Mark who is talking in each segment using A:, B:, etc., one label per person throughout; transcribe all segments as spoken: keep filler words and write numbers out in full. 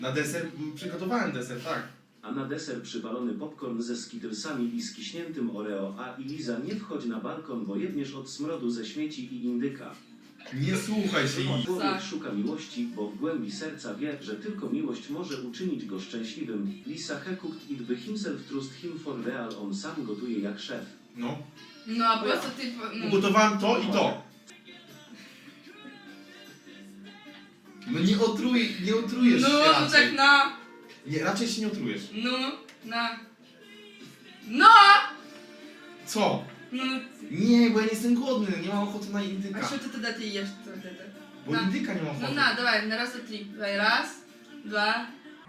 A: Na deser przygotowałem deser, tak.
B: A na deser przypalony popcorn ze skittlesami i skiśniętym Oreo, a i Liza nie wchodź na balkon, bo jedniesz od smrodu ze śmieci i indyka.
A: Nie słuchaj się jej.
B: Człowiek szuka miłości, bo w głębi serca wie, że tylko miłość może uczynić go szczęśliwym. Lisa he cooked it by himself, trust him for real, on sam gotuje jak szef.
A: No.
C: No a po co ty... No.
A: Ugotowałem to i to. No nie otruj, nie otrujesz
C: No,
A: się
C: no
A: raczej.
C: tak na...
A: Nie, raczej się nie otrujesz.
C: No, na... No!
A: Co?
C: No,
A: Nie, bo ja nie jestem głodny, nie mam ochoty na indyka.
C: a що ти тоді ти їш? Це, це, це?
A: Bo
C: Na.
A: indyka nie mam ochoty.
C: Ну на, давай, на раз, два, три. Давай, раз, два.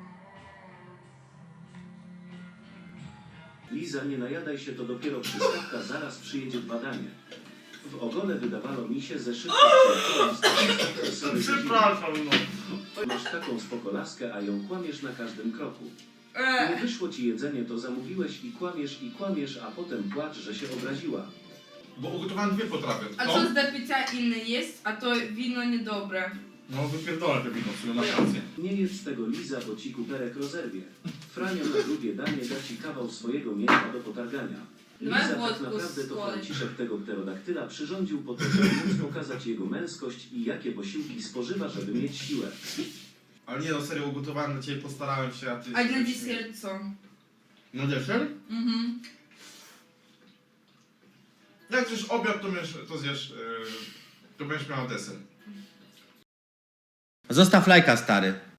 B: Liza, nie najadaj się, to dopiero przystawka, zaraz przyjedzie badanie. W ogóle wydawano mi się ze szybką
A: Przepraszam, no.
B: Masz taką spoko laskę, a ją kłamiesz na każdym kroku. Nie
C: Е,
B: wyszło ci jedzenie, to zamówiłeś i kłamiesz i kłamiesz, a potem płacz, że się obraziła.
A: Bo ugotowałem dwie potrawy.
C: а
A: To?
C: що з до пиття інне є, а то віно недобре.
A: No wypierdolę te wino, w sumie masz rację.
B: Nie jedz z tego, Liza, bo ci kuperek rozerwie. Frania na drugie danie da ci kawał swojego mięsa do potargania.
C: Dawaj
B: Liza tak
C: włodku
B: naprawdę
C: z
B: to
C: kolei.
B: Franciszek tego pterodaktyla przyrządził po to, żeby móc pokazać jego męskość i jakie posiłki spożywa, żeby mieć siłę.
A: Ale nie no, serio ugotowałem dla ciebie, postarałem się, a ty...
C: А на десерт co?
A: Na deser?
C: Mhm.
A: Jak zjesz obiad, to, miesz, to zjesz... Yy, to będziesz miała deser.
D: Zostaw lajka, stary.